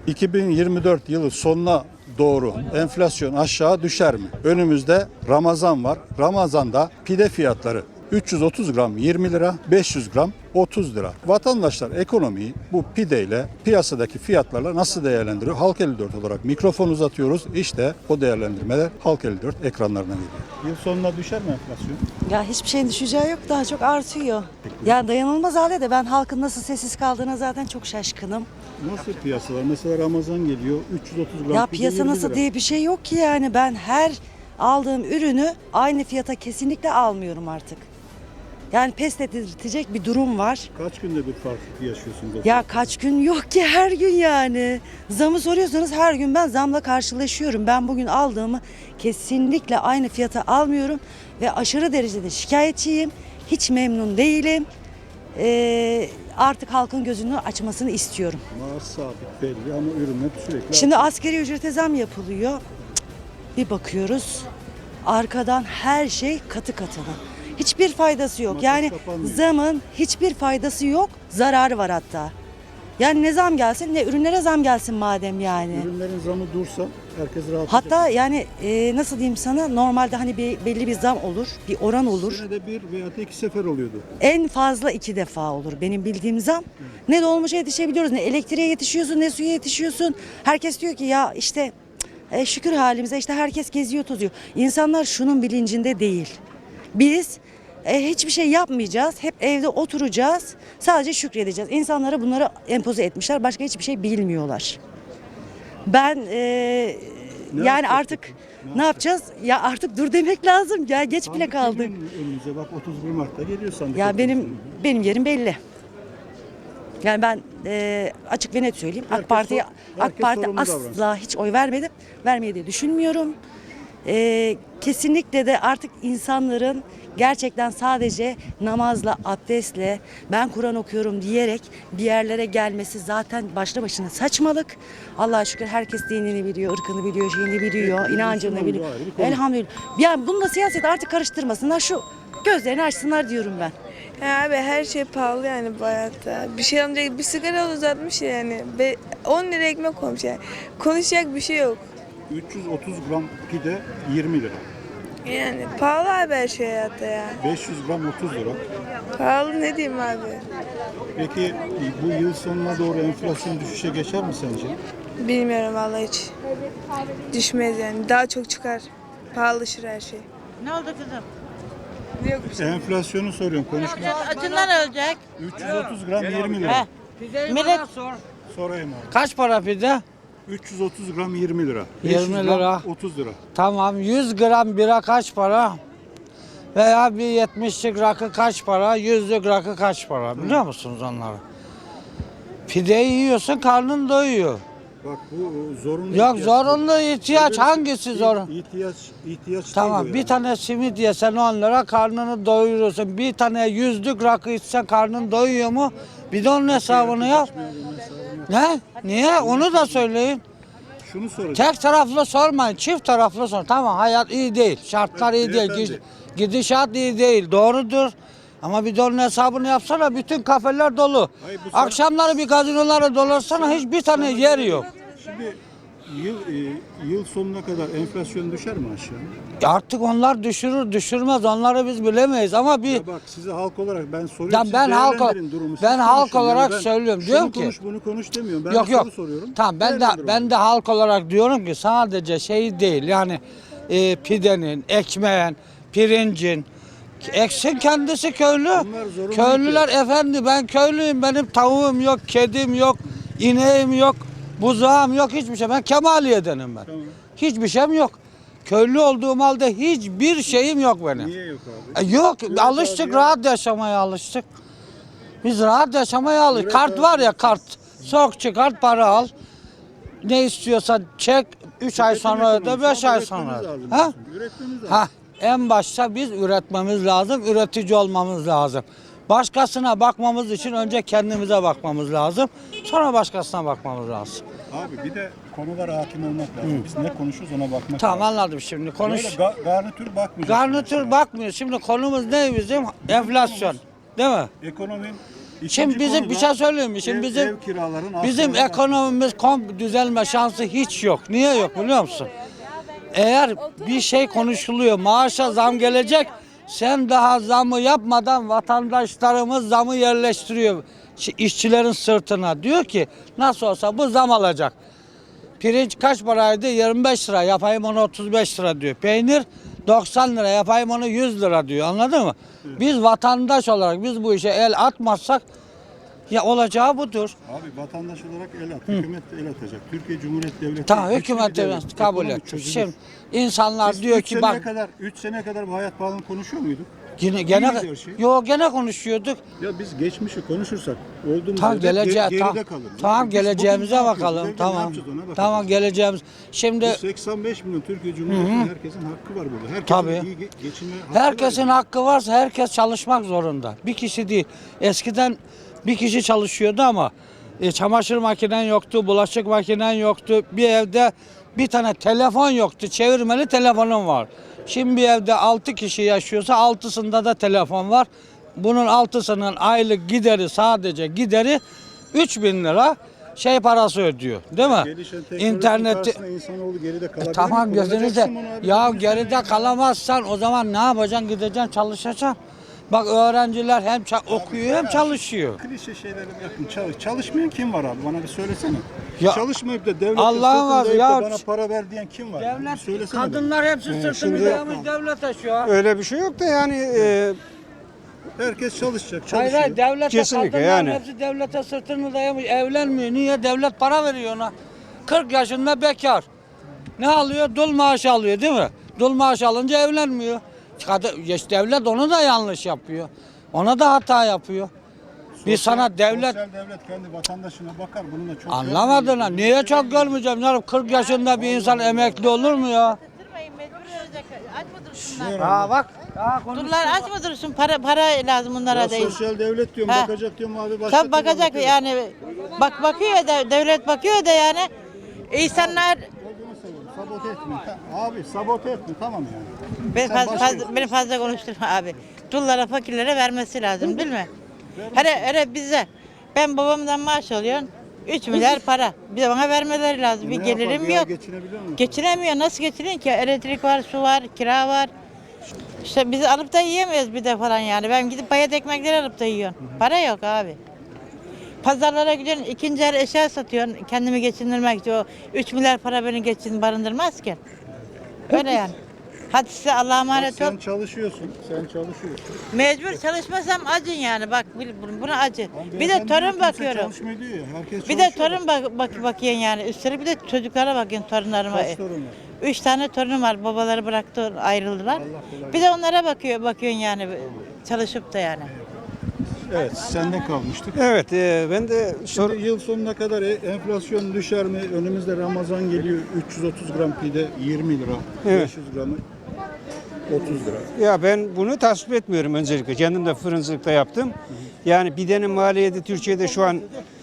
2024 yılı sonuna doğru enflasyon aşağı düşer mi? Önümüzde Ramazan var. Ramazan'da pide fiyatları 330 gram 20 lira, 500 gram 30 lira. Vatandaşlar ekonomiyi bu pideyle piyasadaki fiyatlarla nasıl değerlendiriyor? Halk 54 olarak mikrofon uzatıyoruz. İşte o değerlendirmeler Halk 54 ekranlarına geliyor. Yıl sonuna düşer mi enflasyon? Ya hiçbir şeyin düşeceği yok, daha çok artıyor. Ya dayanılmaz halde de ben halkın nasıl sessiz kaldığına zaten çok şaşkınım. Nasıl piyasalar? Mesela Ramazan geliyor 330 gram Ya pide piyasa 20 nasıl lira. diye bir şey yok ki yani ben her aldığım ürünü aynı fiyata kesinlikle almıyorum artık. Yani pes ettirecek bir durum var. Kaç günde bir farklılık yaşıyorsunuz? Ya kaç gün yok ki her gün yani. Zamı soruyorsanız her gün ben zamla karşılaşıyorum. Ben bugün aldığımı kesinlikle aynı fiyata almıyorum ve aşırı derecede şikayetçiyim. Hiç memnun değilim. Artık halkın gözünü açmasını istiyorum. Maaş sabit belli ama ürünler sürekli Şimdi asgari ücrete zam yapılıyor. Bir bakıyoruz arkadan her şey katı katına. Hiçbir faydası yok. Makas Yani kapanmıyor. zamın hiçbir faydası yok. Zararı var hatta. Yani ne zam gelsin ne ürünlere zam gelsin madem yani. Ürünlerin zamı dursa herkes rahat Hatta edecek. yani nasıl diyeyim sana normalde hani belli bir zam olur, bir oran olur. Senede bir veya da iki sefer oluyordu. En fazla 2 defa olur benim bildiğim zam. Ne dolmuşa yetişebiliyoruz, ne elektriğe yetişiyorsun, ne suya yetişiyorsun. Herkes diyor ki ya işte şükür halimize işte herkes geziyor tozuyor. İnsanlar şunun bilincinde değil. Biz hiçbir şey yapmayacağız, hep evde oturacağız, sadece şükredeceğiz. İnsanlara bunları empoze etmişler, başka hiçbir şey bilmiyorlar. Ben yani yapacak artık peki? ne yapacağız? Ya artık dur demek lazım. Ya geç bile Sandık kaldık. geliyor önümüze bak 31 Mart'ta geliyor sandık. Ya oturuşu. benim yerim belli. Yani ben açık ve net söyleyeyim. Herkes AK Parti sorumlu asla davransın. hiç oy vermedim. Vermeyi de düşünmüyorum. Kesinlikle de artık insanların gerçekten sadece namazla, abdestle, ben Kur'an okuyorum diyerek bir yerlere gelmesi zaten başlı başına saçmalık. Allah'a şükür herkes dinini biliyor, ırkını biliyor, şeyini biliyor, Evet, inancını Müslüman biliyor. bu ayrı bir konu. Elhamdülillah. Yani bununla siyaset artık karıştırmasınlar. Şu gözlerini açsınlar diyorum ben. Ya abi her şey pahalı yani bu hayatta. Bir şey alınacak bir sigara uzatmış yani. 10 lira ekmek olmuş yani. Konuşacak bir şey yok. 330 gram pide 20 lira. Yani pahalı abi her şey hayatta ya. 500 gram 30 lira. Pahalı ne diyeyim abi. Peki bu yıl sonuna doğru enflasyon düşüşe geçer mi sence? Bilmiyorum vallahi hiç. Düşmez yani. Daha çok çıkar. Pahalılaşır her şey. Ne oldu kızım? Yok bir şey. Enflasyonu soruyorum konuşma. Acından ölecek. 330 gram 20 lira. Millet Sorayım abi. Kaç para pide? 330 gram 20 lira. 20 500 gram lira. 30 lira. Tamam 100 gram bira kaç para? Veya bir 70'lik rakı kaç para? 100'lük rakı kaç para? Biliyor musunuz onları? Pideyi yiyorsun karnın doyuyor. Bak bu zorunlu Yok ihtiyaç. zorunlu ihtiyaç Öbür- hangisi zorunlu? İhtiyaç Tamam değil bu bir yani. tane simit yesen 10 lira karnını doyuruyorsun. Bir tane 100'lük rakı içsen karnın doyuyor mu? Bir de onun hesabını yap. Ne? Niye? Onu da söyleyin. Şunu soracağım. Tek taraflı sormayın, çift taraflı sorun. Tamam hayat iyi değil, şartlar iyi değil, beyefendi. gidişat iyi değil, doğrudur. Ama bir de onun hesabını yapsana, bütün kafeler dolu. Hayır, bu Akşamları bir gazinoları dolarsana, hiçbir tane yer yok. Şimdi yıl sonuna kadar enflasyon düşer mi aşağı? Artık onlar düşürür, düşürmez, onları biz bilemeyiz ama bir... Ya bak size halk olarak ben soruyorum. Ya siz ben değerlendirin durumu. Siz ben halk konuşun. olarak ben söylüyorum. şunu Diyorum ki konuş, bunu konuş demiyorum. Ben yok bir yok. soru soruyorum. Tamam Değerlendirin ben de halk olarak diyorum ki sadece şey değil yani pidenin, ekmeğin, pirincin eksin kendisi köylü. Bunlar zorunlu Köylüler efendi ben köylüyüm benim tavuğum yok, kedim yok, ineğim yok, buzağım yok hiçbir şey. Ben Kemaliye'denim ben. Tamam. Hiçbir şeyim yok. Köylü olduğum halde hiçbir şeyim yok benim. Niye yok abi? Yok Evet alıştık abi ya. rahat yaşamaya alıştık. Biz rahat yaşamaya alıştık. Evet Kart abi. var ya kart. Sok çıkart para al. Ne istiyorsan çek 3 ay Üretim sonra öde ekonomisi 5 ama ay üretmemiz sonra öde. lazım Ha? diyorsun. Üretmemiz lazım. Ha. En başta biz üretmemiz lazım, üretici olmamız lazım. Başkasına bakmamız için önce kendimize bakmamız lazım. Sonra başkasına bakmamız lazım. Abi bir de konulara hakim olmak lazım. Biz ne konuşuyoruz ona bakmak Tamam lazım. anladım şimdi konuş. Böyle garnitür bakmayacağız. Garnitür bakmıyor. Şimdi konumuz ne bizim? Enflasyon. Değil mi? Ekonominin İkinci bizim konu bir da şey söyleyeyim mi? Şimdi ev kiraların bizim artması. ekonomimiz düzelme şansı hiç yok. Niye yok biliyor musun? Eğer bir şey konuşuluyor, maaşa zam gelecek, sen daha zamı yapmadan vatandaşlarımız zamı yerleştiriyor işçilerin sırtına. Diyor ki nasıl olsa bu zam alacak. Pirinç kaç paraydı? 25 lira, yapayım onu 35 lira diyor. Peynir 90 lira, yapayım onu 100 lira diyor. Anladın mı? Biz vatandaş olarak biz bu işe el atmazsak ya olacağı budur. Abi vatandaş olarak el at, hükümet de el atacak. Türkiye Cumhuriyeti Devleti. Tamam güçlü hükümet bir de devlet. kabul Ekonomi et. çözülür. Şimdi insanlar Biz diyor üç ki seneye bak kadar 3 sene kadar bu hayat pahalılığını konuşuyor muyduk? gene gidiyor şey. gene konuşuyorduk. Ya biz geçmişi konuşursak olduğumuz Tam yerde geleceğe geride kalırız. tamam Biz bugün geleceğimize ne yapıyoruz? bakalım. Devlet ne Tamam. yapacağız ona bakacağız. Tamam geleceğimiz. Şimdi Biz 85 milyon Türkiye Cumhuriyeti'nin herkesin hakkı var burada. Herkesin Tabii. iyi geçinme hakkı herkesin var. hakkı varsa herkes çalışmak zorunda. Bir kişi değil. Eskiden bir kişi çalışıyordu ama çamaşır makinen yoktu, bulaşık makinen yoktu. Bir evde bir tane telefon yoktu. Çevirmeli telefonum var. Şimdi bir evde 6 kişi yaşıyorsa 6'sında da telefon var. Bunun 6'sının aylık gideri sadece gideri 3.000 lira parası ödüyor. Değil mi? Gelişen teknoloji İnterneti karşısında insanoğlu geride kalabilir. tamam mi? gözünüzde. Kullanacaksın bunu abi. Ya Bunu geride sen- kalamazsan o zaman ne yapacaksın? Gideceksin çalışacaksın. Bak öğrenciler hem okuyor hem çalışıyor. Klişe şeyleri yapın. Çalışmayan kim var abi? Bana bir söylesene. Ya, Çalışmayıp da devlete Allah'ın sırtını ya- dayayıp da bana para ver diyen kim var? Bir Devlet, söylesene kadınlar hepsi sırtını şimdi- dayamış devlete şu an. Öyle bir şey yok da yani bana. Herkes çalışacak, Hayır çalışıyor. hayır devlete Kesinlikle kadınlar yani. hepsi devlete sırtını dayamış evlenmiyor. Niye? Devlet para veriyor ona. 40 yaşında bekar. Ne alıyor? Dul maaşı alıyor değil mi? Dul maaşı alınca evlenmiyor. Devlet onu da yanlış yapıyor. Ona da hata yapıyor. Biz sana devlet Sosyal devlet kendi vatandaşına bakar. Bununla çok anlamadın ha. Niye çok görmeyeceğim canım? 40 yaşında bir insan emekli olur mu ya? Durmayın, mecbur olacak. Aç mı dursunlar? Ha bak. Ha, Durlar aç mı dursun? Para lazım bunlara Ya değil. sosyal devlet diyorum, Ha. bakacak diyorum abi. başka Tabii türlü bakacak bakıyor. yani. Bak bakıyor da devlet bakıyor da yani. İnsanlar Olduğunu seviyorum, sabote etme. Abi sabote etme, tamam yani. beni fazla konuşturma abi. Dullara, fakirlere vermesi lazım değil mi? Hele bize. Ben babamdan maaş alıyorum. 3 milyar para. Bir de bana vermeleri lazım. Bir Ne yapar, gelirim bir ay yok. geçinebiliyor musun? Geçinemiyor. Nasıl geçiniyorsun ki? Elektrik var, su var, kira var. İşte biz alıp da yiyemiyoruz bir de falan yani. Ben gidip bayat ekmekleri alıp da yiyorum. Para yok abi. Pazarlara gidiyorsun, ikinci el eşya satıyorsun kendimi geçindirmek için. O 3 milyar para beni barındırmaz ki. Öyle yani. Hadi size Allah'a emanet ol. Sen çalışıyorsun, Mecbur çalışmasam acın yani. Bak buna acı. Lan Bir de beyefendi diyor, torun kimse bakıyorum. çalışmıyor diyor ya, herkes Bir de çalışıyor. torun bakıyorsun yani. Üstelik bir de çocuklara bakıyorsun torunlarıma. Kaç torun var? 3 tane torunum var. Babaları bıraktı, ayrıldılar. Allah kolaylık. Bir de onlara bakıyorsun yani. Çalışıp da yani. Evet, sende kalmıştık. evet ben de Şimdi yıl sonuna kadar enflasyon düşer mi? Önümüzde Ramazan geliyor. 330 gram pide 20 lira. Evet. 500 gramı 30 lira. ya ben bunu tasvip etmiyorum öncelikle. Kendim de fırıncılıkta yaptım. Yani pidenin maliyeti Türkiye'de şu an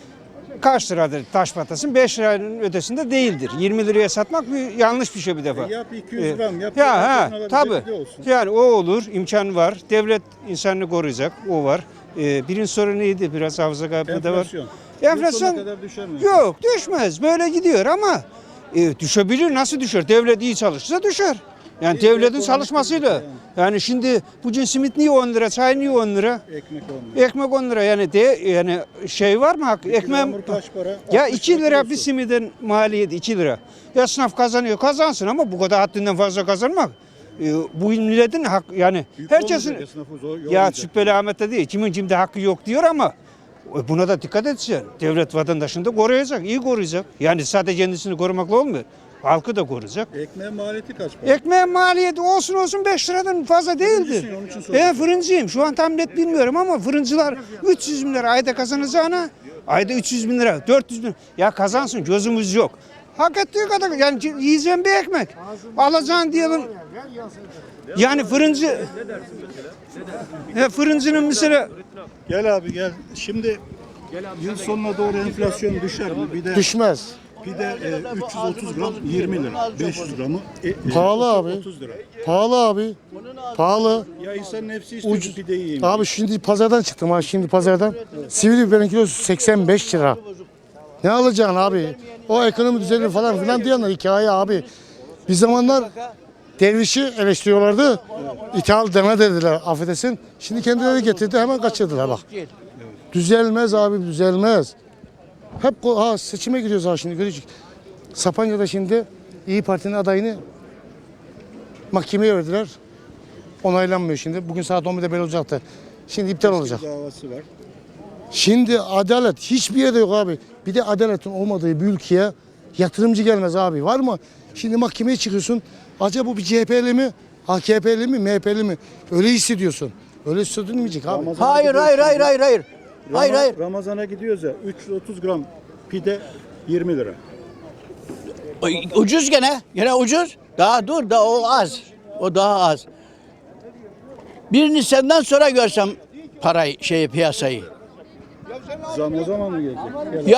kaç liradır taş patlasın? 5 liranın ötesinde değildir. 20 liraya satmak yanlış bir şey bir defa. Yap 200 gram, yap. Ya herkesin alabileceği tabii. pide olsun. Yani o olur, imkan var. Devlet insanını koruyacak, o var. Birinci soru neydi? Biraz hafıza kaybı da var. Enflasyon. Yıl Enflasyon sonuna kadar düşer mi? yok, düşmez. Böyle gidiyor ama düşebilir. Nasıl düşer? Devlet iyi çalışırsa düşer. Yani İyi, devletin ekonomik çalışmasıyla. kriz Yani şimdi bugün simit niye 10 lira, çay niye 10 lira? Ekmek olmuyor. Ekmek 10 lira yani yani şey var mı? Ekmeğim Yağmur kaç para? ya 60 2 lira bir kilosu. simidin maliyeti 2 lira. Esnaf kazanıyor, kazansın ama bu kadar haddinden fazla kazanmak bu milletin hak yani Yük herkesin olmayacak, esnafı zor ya yormayacak. Sübbeli Ahmet'te değil kimin kimde hakkı yok diyor ama buna da dikkat edeceksin. Devlet vatandaşını da koruyacak, iyi koruyacak. Yani sadece kendisini korumakla olmuyor. Halkı da koruyacak. Ekmeğin maliyeti kaç para? Ekmeğin maliyeti olsun 5 liradan fazla değildir. Fırıncısın, onun için Ben soruyorum. fırıncıyım. Şu an tam net bilmiyorum ama fırıncılar 300 bin lira ayda kazanacağına ayda 300 bin lira, 400 bin lira. Ya kazansın gözümüz yok. Hak ettiği kadar yani yiyeceğim bir ekmek. Alacağın diyelim. Yani fırıncının mesela Gel abi gel. Şimdi yıl sonuna doğru enflasyon düşer mi? Bir de Düşmez. Pide 330 gram 20 lira. 500 gramı Pahalı abi. 30 lira. Pahalı abi. Pahalı. Ya insanın hepsi istiyor Ucuz. ki pideyi yiyeyim. Abi şimdi pazardan çıktım ha şimdi pazardan. Sivri biberin kilosu 85 lira. Ne alacaksın abi? O ekonomi düzeni falan filan diyorlar hikaye abi. Bir zamanlar dervişi eleştiriyorlardı. İthal deme dediler affedersin. Şimdi kendileri getirdi hemen kaçırdılar bak. Düzelmez abi düzelmez. Hep seçime gidiyoruz ha şimdi görecek. Sapanca'da şimdi İyi Parti'nin adayını mahkemeye verdiler. Onaylanmıyor şimdi. Bugün saat 11'de belli olacaktı. Şimdi iptal olacak. Davası var. Şimdi adalet hiçbir yerde yok abi. Bir de adaletin olmadığı bir ülkeye yatırımcı gelmez abi. Var mı? Şimdi mahkemeye çıkıyorsun. Acaba bu bir CHP'li mi? AKP'li mi? MHP'li mi? Öyle hissediyorsun. Öyle hissedilmeyecek abi. Hayır. Hayır. Ramazana gidiyoruz ya 330 gram pide 20 lira. Ucuz gene. Gene ucuz. Daha dur da o az. O daha az. 1 Nisan'dan sonra görsem parayı piyasayı. Zam o zaman mı gelecek?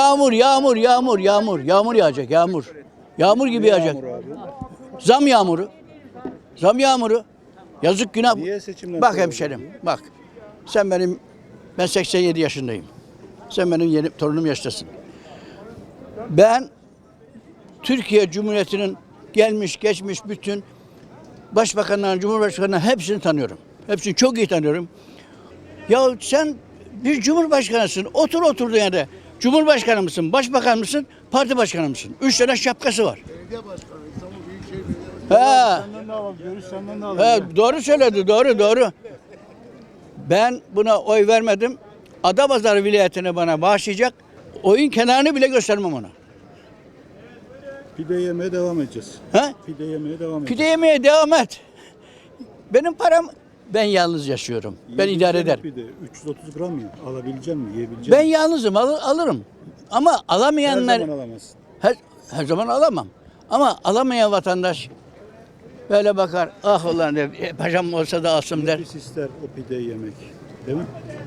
Yağmur yağacak yağmur. Yağmur gibi yağacak. Zam yağmuru. Yazık günah. Niye seçimden Bak sonra hemşerim bak. Ben 87 yaşındayım. Sen benim torunum yaştasın. Ben Türkiye Cumhuriyeti'nin gelmiş geçmiş bütün başbakanların, cumhurbaşkanlarının hepsini tanıyorum. Hepsini çok iyi tanıyorum. Ya sen bir cumhurbaşkanısın. Oturduğun yerde. Cumhurbaşkanı mısın, başbakan mısın, parti başkanı mısın? 3 tane şapkası var. Belediye başkanı, İstanbul Büyükşehir Senden ne alalım? Görüş senden ne alalım? Doğru söyledi, doğru. Ben buna oy vermedim. Adapazarı vilayetini bana bağışlayacak. Oyun kenarını bile göstermem ona. Pide yemeye devam edeceğiz. He? Pide yemeye devam edeceğiz. Pide yemeye devam et. Benim param, ben yalnız yaşıyorum. Ben idare ederim. Pide 330 gram ya. Alabilecek misin? Yiyebilecek Ben misin? yalnızım, alırım. Ama Her alamayanlar zaman alamazsın. her zaman alamam. Ama alamayan vatandaş böyle bakar. Ah ulan paşam olsa da alsın der. Nefis ister o pideyi yemek. Değil mi?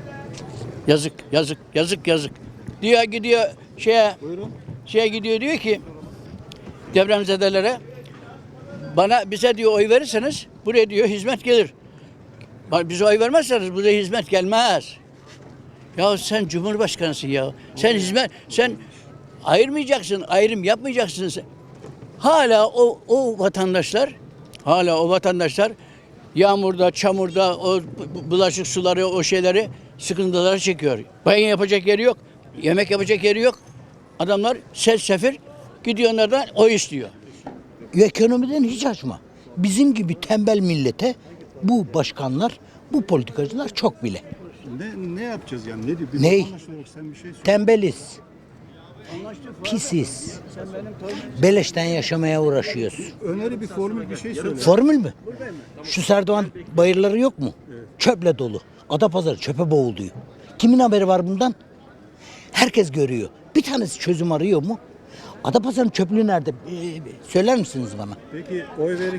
Yazık. Diyor gidiyor Buyurun. gidiyor diyor ki depremzedelere bize diyor oy verirseniz buraya diyor hizmet gelir. Bize oy vermezseniz buraya hizmet gelmez. Ya sen cumhurbaşkanısın ya. Sen ayırmayacaksın, ayrım yapmayacaksın. Hala o vatandaşlar yağmurda, çamurda o bulaşık suları, o şeyleri sıkıntıları çekiyor. Banyo yapacak yeri yok, yemek yapacak yeri yok. Adamlar sefir gidiyor onlardan oy istiyor. Ekonomiden hiç açma. Bizim gibi tembel millete bu başkanlar, bu politikacılar çok bile. Ne yapacağız yani? Ne diyor? Bir Ney? vatandaş olarak sen bir şey söyle. Tembeliz. Pisiz. Beleşten yaşamaya uğraşıyoruz. Öneri bir formül bir şey söyle. Formül mü? Şu Serdoğan bayırları yok mu? Çöple dolu. Adapazarı çöpe boğuluyor. Kimin haberi var bundan? Herkes görüyor. Bir tanesi çözüm arıyor mu? Adapazarı'nın çöplüğü nerede? Söyler misiniz bana? Peki oy verirken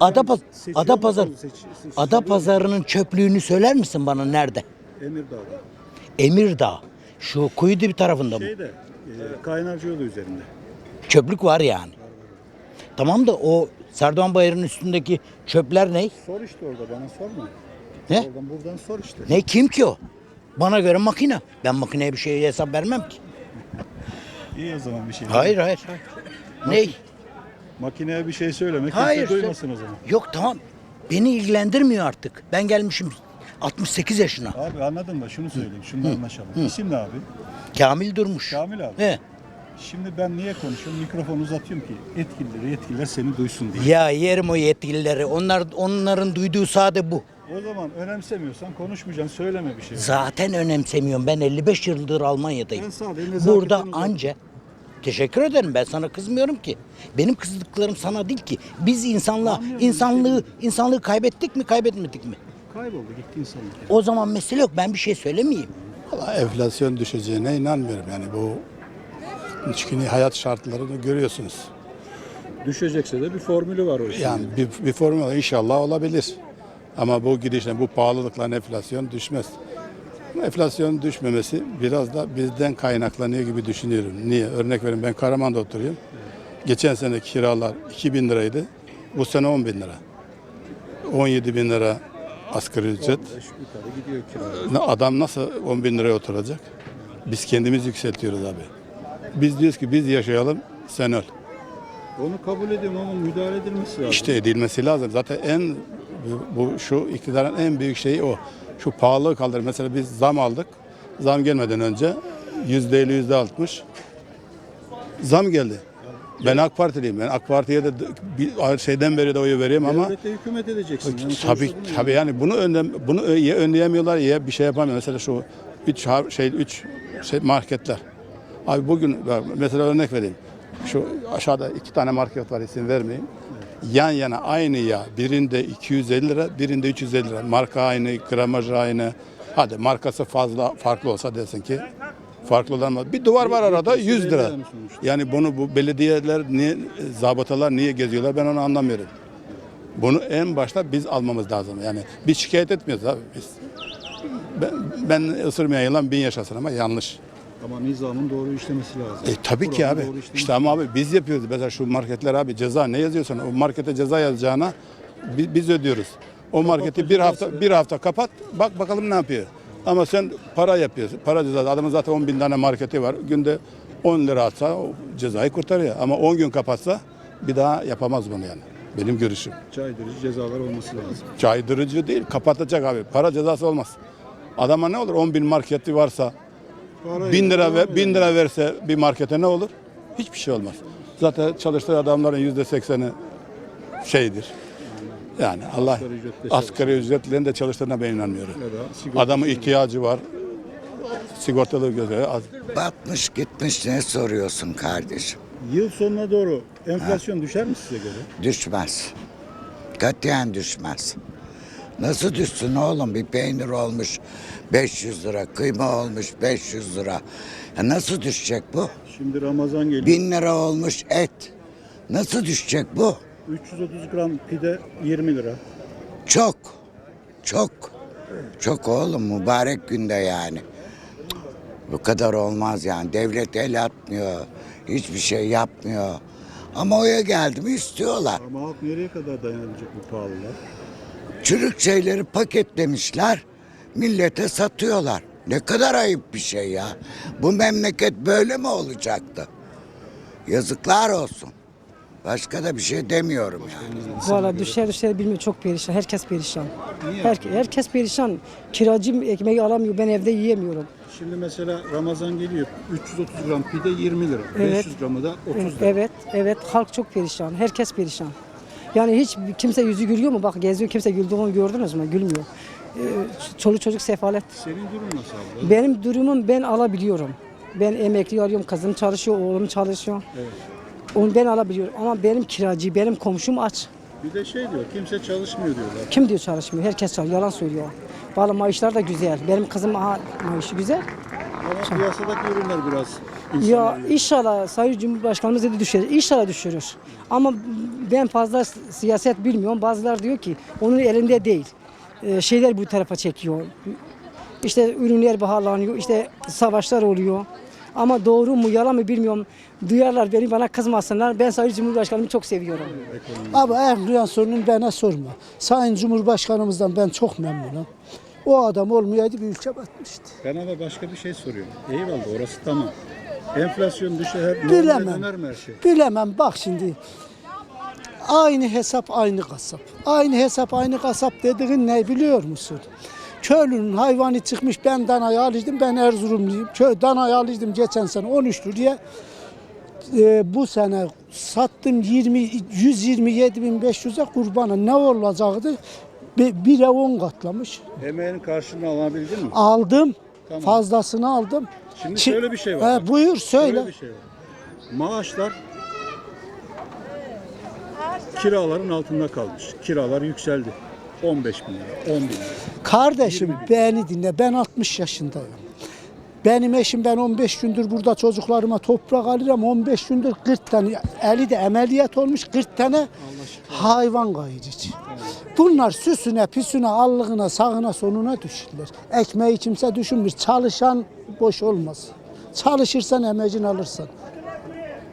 Adapazarı'nın çöplüğünü söyler misin bana nerede? Emirdağ'da. Emirdağ. Şu Kuyudibi tarafında mı? Kaynarca yolu üzerinde. Çöplük var yani. Tamam da o Serdoğan Bayırı'nın üstündeki çöpler ne? Sor işte orada bana sorma. Ne? Oradan buradan sor işte. Ne kim ki o? Bana göre makine. Ben makineye bir şey hesap vermem ki. İyi o zaman bir şey. Hayır. Ne? Makineye bir şey söyleme. Hayır. Kimse duymasın o zaman. Yok tamam. Beni ilgilendirmiyor artık. Ben gelmişim 68 yaşına. Abi anladın da şunu söyleyeyim. Şunu anlaşalım. İsim ne abi? Kamil Durmuş. Kamil abi. He. Şimdi ben niye konuşuyorum? Mikrofonu uzatıyorum ki yetkililer seni duysun diye. Ya yerim o yetkilileri. Onların duyduğu sade bu. O zaman önemsemiyorsan konuşmayacaksın. Söyleme bir şey. Zaten önemsemiyorum. Ben 55 yıldır Almanya'dayım. Ben sadece nezaketten Burada uzaktım. anca teşekkür ederim. Ben sana kızmıyorum ki. Benim kızdıklarım sana değil ki. Biz insanlığı kaybettik mi, kaybetmedik mi? Kayboldu gitti insanlık. O zaman mesele yok. Ben bir şey söylemeyeyim. Valla enflasyon düşeceğine inanmıyorum yani bu çünkü hayat şartlarını görüyorsunuz. Düşecekse de bir formülü var o işin. Yani bir formül inşallah olabilir. Ama bu gidişle bu pahalılıkla enflasyon düşmez. Enflasyon düşmemesi biraz da bizden kaynaklanıyor gibi düşünüyorum. Niye? Örnek vereyim ben Karaman'da oturuyorum. Geçen sene kiralar 2.000 liraydı. Bu sene 10.000 lira. 17.000 lira asgari ücret. Yukarı gidiyor kira. Adam nasıl 10.000 liraya oturacak? Biz kendimiz yükseltiyoruz abi. Biz diyoruz ki biz yaşayalım, sen öl. Onu kabul ediyorum ama müdahale edilmesi lazım. İşte edilmesi lazım. Zaten şu iktidarın en büyük şeyi o. Şu pahalılığı kaldır. Mesela biz zam aldık. Zam gelmeden önce %50, %60 zam geldi. Ben AK Partiliyim. Ben AK Parti'ye de şeyden beri de oyu veriyorum ama Devlete hükümet edeceksin. Yani tabii sonuçta bu tabii yani bunu ya önleyemiyorlar ya bir şey yapamıyor. Mesela şu üç marketler. Abi bugün mesela örnek vereyim. Şu aşağıda 2 tane market var, isim vermeyeyim. Yan yana aynı yağ. Birinde 250 lira, birinde 350 lira. Marka aynı, gramajı aynı. Hadi markası farklı olsa desin ki farklı olan bir duvar var arada 100 lira. Yani bu belediyeler niye, zabıtalar niye geziyorlar ben onu anlamıyorum. Bunu en başta biz almamız lazım. Yani biz şikayet etmiyoruz abi biz. Ben ısırmayan yılan 1000 yaşasın ama yanlış. Ama nizamın doğru işlemesi lazım. Tabii ki abi. İşte ama abi biz yapıyoruz. Mesela şu marketler abi ceza ne yazıyorsan o markete ceza yazacağına biz ödüyoruz. O marketi bir hafta kapat bak bakalım ne yapıyor. Ama sen para yapıyorsun. Para cezası. Adamın zaten 10.000 tane marketi var. Günde 10 lira atsa o cezayı kurtarıyor. Ama 10 gün kapatsa bir daha yapamaz bunu yani. Benim görüşüm. Caydırıcı cezalar olması lazım. Caydırıcı değil kapatacak abi. Para cezası olmaz. Adama ne olur 10.000 marketi varsa 1000 lira verse bir markete ne olur? Hiçbir şey olmaz. Zaten çalıştığı adamların %80'i şeydir. Yani Allah asgari ücretlerin de çalıştığına ben inanmıyorum. Adamın ihtiyacı var. Sigortalı gözleri az. Batmış gitmiş ne soruyorsun kardeşim? Yıl sonuna doğru enflasyon düşer mi size göre? Düşmez. Katiyen düşmez. Nasıl düşsün oğlum? Bir peynir olmuş 500 lira, kıyma olmuş 500 lira. Ya nasıl düşecek bu? Şimdi Ramazan geliyor. 1000 lira olmuş et. Nasıl düşecek bu? 330 gram pide 20 lira. Çok. Çok. Çok oğlum mübarek günde yani. Bu kadar olmaz yani. Devlet el atmıyor. Hiçbir şey yapmıyor. Ama oya geldi mi istiyorlar. Ama halk nereye kadar dayanacak bu pahalılar? Çürük şeyleri paketlemişler. Millete satıyorlar. Ne kadar ayıp bir şey ya. Bu memleket böyle mi olacaktı? Yazıklar olsun. Başka da bir şey demiyorum yani. Valla düşer bilmiyorum, çok perişan. Herkes perişan. Herkes perişan. Kiracı ekmeği alamıyor. Ben evde yiyemiyorum. Şimdi mesela Ramazan geliyor. 330 gram pide 20 lira. Evet. 500 gramı da 30 lira. Evet. Halk çok perişan. Herkes perişan. Yani hiç kimse yüzü gülüyor mu? Bak geziyor, kimse güldüğünü gördünüz mü? Gülmüyor. Çoluk çocuk sefalet. Senin durum nasıl abla? Benim durumum ben alabiliyorum. Ben emekli alıyorum. Kızım çalışıyor, oğlum çalışıyor. Evet. Onu ben alabiliyorum. Ama benim kiracı, benim komşum aç. Bir de şey diyor, kimse çalışmıyor diyorlar. Kim diyor çalışmıyor? Herkes çalışıyor. Yalan söylüyor. Vallahi maaşlar da güzel. Benim kızım maaşı güzel. Ama piyasadaki ürünler biraz Ya inşallah Sayın Cumhurbaşkanımız dedi düşürür. İnşallah düşürür. Ama ben fazla siyaset bilmiyorum. Bazılar diyor ki onun elinde değil. Şeyler bu tarafa çekiyor. İşte ürünler pahalanıyor. İşte savaşlar oluyor. Ama doğru mu yalan mı bilmiyorum. Duyarlar beni, bana kızmasınlar. Ben Sayın Cumhurbaşkanımı çok seviyorum. Abi enflasyonun bana sorma. Sayın Cumhurbaşkanımızdan ben çok memnunum. O adam olmayaydı bir ülke batmıştı. Ben ama başka bir şey soruyorum. Eyvallah orası tamam. Enflasyon düşer, Bilemem. döner mi her şey? Bilemem bak şimdi. Aynı hesap aynı kasap. Aynı hesap aynı kasap dediğin ne biliyor musun? Köylünün hayvanı çıkmış ben danayı alıştım ben Erzurumluyum. Danayı alıştım geçen sene 13 liraya. Bu sene sattım 127.500'e kurbana ne olacaktı? 1'e 10 katlamış. Emeğin karşılığını alabildin mi? Aldım. Tamam. Fazlasını aldım. Şimdi şöyle bir şey var. Buyur söyle. Şöyle bir şey var. Maaşlar kiraların altında kalmış. Kiralar yükseldi. 15 bin lira, 10 bin lira. Kardeşim beni dinle ben 60 yaşındayım. Benim eşim ben 15 gündür burada çocuklarıma toprak alıyorum. 15 gündür 40 tane eli de ameliyat olmuş 40 tane hayvan kayırıcı. Bunlar süsüne, püsüne, allığına, sağına, sonuna düşürler. Ekmeği kimse düşünmür. Çalışan boş olmaz. Çalışırsan emeğini alırsan.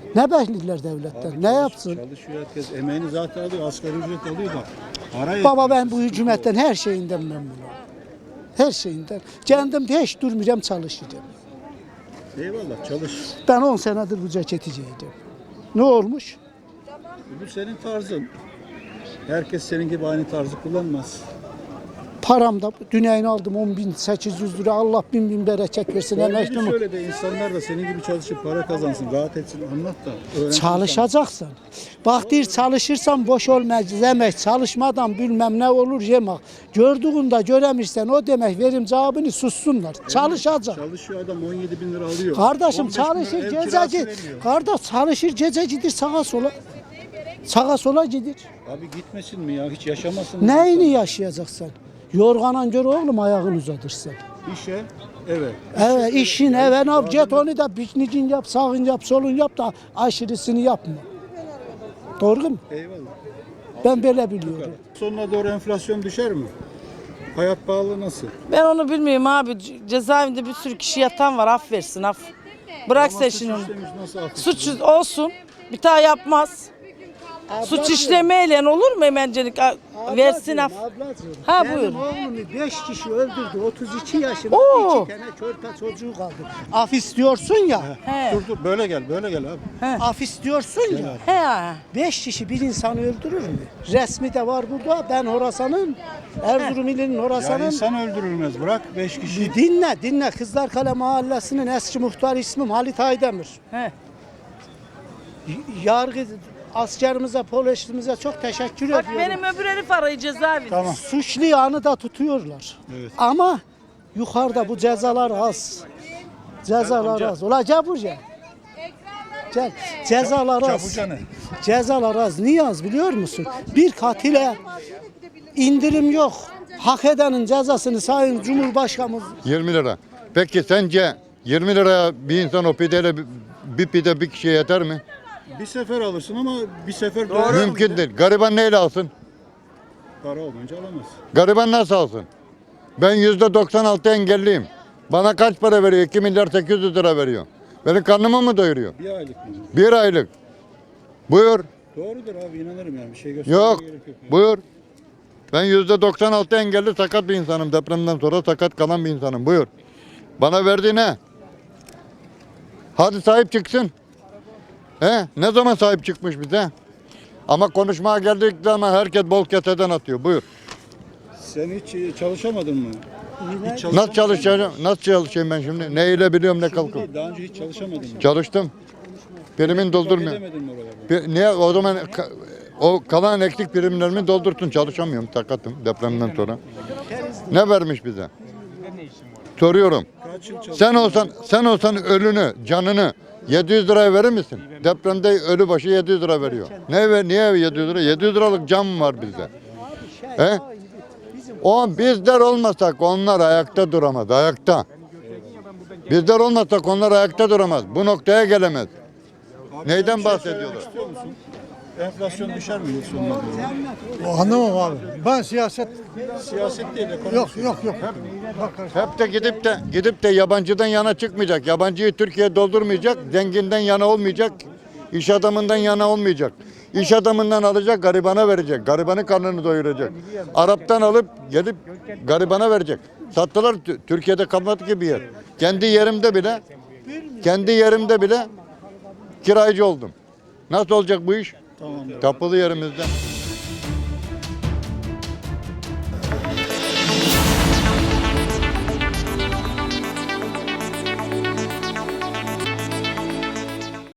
Ne bekliyorlar devletten? Ne yapsın? Çalışıyor herkes. Emeğini zaten alıyor. Asgari ücret alıyor da. Para Baba ben bu hükümetten her şeyinden memnunum. Her şeyinden. Kendim de hiç durmayacağım çalışacağım. Eyvallah çalış. Ben 10 senedir bu ceketiciydim. Ne olmuş? Bu senin tarzın. Herkes senin gibi aynı tarzı kullanmaz. Param da dünyanı aldım 10.800 lira. Allah bin bereket versin. Emekli Doğru mi? söyle de insanlar da senin gibi çalışıp para kazansın, rahat etsin, anlat da. öğrensin. Çalışacaksın. Bak dir çalışırsan boş olmaz demek. Çalışmadan bilmem ne olur yemek. Gördüğünde göremirsen o demek verim cevabını sussunlar. Çalışacak. Çalışıyor adam 17 bin lira alıyor. Kardeşim 15 bin lira çalışır ev kirası gececi. veriyor. Kardeş çalışır gececidir sağa sola. Sağa sola gidir. Abi gitmesin mi ya? Hiç yaşamasın mı? Neyini yaşayacaksın? Yorganan gör oğlum ayağını uzatırsın. İşe, evet. Evet işin eve ne yap? Git onu da piknicin yap, sağın yap, solun yap da aşırısını yapma. Doğru mu? Eyvallah. Ben böyle biliyorum. Sonuna doğru enflasyon düşer mi? Hayat pahalı nasıl? Ben onu bilmiyorum abi. Cezaevinde bir sürü kişi yatan var. Af versin af. Bırak sen şimdi onu. Sistemimiz nasıl affedecek? Suç olsun. Bir daha yapmaz. Suç işlemeyle olur mu hemencelik? Versin af. Ablacığım, Ha, benim buyur. oğlumu 5 kişi öldürdü. 32 yaşında Oo. 2 tane körpe çocuğu kaldı. Af istiyorsun ya. He. Dur böyle gel abi. Af istiyorsun ya. He. 5 kişi bir insanı öldürür mü? Resmi de var burada. Ben Horasan'ın, Erzurum ilinin Ya Horasan'ın. insan öldürülmez. Bırak 5 kişi. Dinle. Kızlarkale Mahallesi'nin eski muhtar ismim Halit Aydemir. He. Yargı askerimize, polisimize çok teşekkür Bak ediyorum. benim öbür herif arayı cezaevinde. Tamam. Suçlu yanı da tutuyorlar. Evet. Ama yukarıda bu cezalar az. Cezalar az. Ulan gel buraya. Gel. Cezalar az. Çabuca ne? Cezalar az. Niye az biliyor musun? Bir katile indirim yok. Hak edenin cezasını Sayın Cumhurbaşkanımız 20 lira. Peki sence 20 liraya bir insan o pideyle bir pide bir kişiye yeter mi? Bir sefer alırsın ama bir sefer doyurur Mümkün mu? değil. Gariban neyle alsın? Para olmayınca alamaz. Gariban nasıl alsın? Ben %96 engelliyim. Bana kaç para veriyor? 2 milyar 800 lira veriyor. Benim karnımı mı doyuruyor? Bir aylık mı? Bir aylık. Buyur. Doğrudur abi inanırım yani. Bir şey göstermeye Yok. gerek yok. Buyur. Ben %96 engelli sakat bir insanım. Depremden sonra sakat kalan bir insanım. Buyur. Bana verdiği ne? Hadi sahip çıksın. Ne zaman sahip çıkmış bize? Ama konuşmaya geldik zaman herkes bol keseden atıyor. Buyur. Sen hiç çalışamadın mı? Hiç Nasıl çalışacağım? Nasıl çalışayım ben şimdi? Ne ile biliyorum ne kalkıyorum. Daha önce hiç çalışamadın mı? Çalıştım. Primin doldurmuyor. Edemedin mi oralarda? Niye o zaman o kalan eksik primlerimi doldurtun. Çalışamıyorum. Sakatım depremden sonra. Ne vermiş bize? Soruyorum. Kaç yıl çalıştın? Sen olsan ölünü, canını 700 liraya verir misin? Depremde ölü başı 700 lira veriyor. Niye 700 lira? 700 liralık can mı var bizde? Bizler olmasak onlar ayakta duramaz. Ayakta. Bizler olmasak onlar ayakta duramaz. Bu noktaya gelemez. Neyden bahsediyorlar? İstiyor musun? Enflasyon düşer mi yıl sonuna doğru? Anlamam abi. Ben siyaset Siyaset değil, ekonomi. yok. Hep de gidip de yabancıdan yana çıkmayacak. Yabancıyı Türkiye doldurmayacak. Zenginden yana olmayacak. İş adamından yana olmayacak. İş adamından alacak, garibana verecek. Garibanın karnını doyuracak. Arap'tan alıp gelip garibana verecek. Sattılar Türkiye'de kalmadı ki bir yer. Kendi yerimde bile kiracı oldum. Nasıl olacak bu iş? Tamam. Kapılı yerimizden.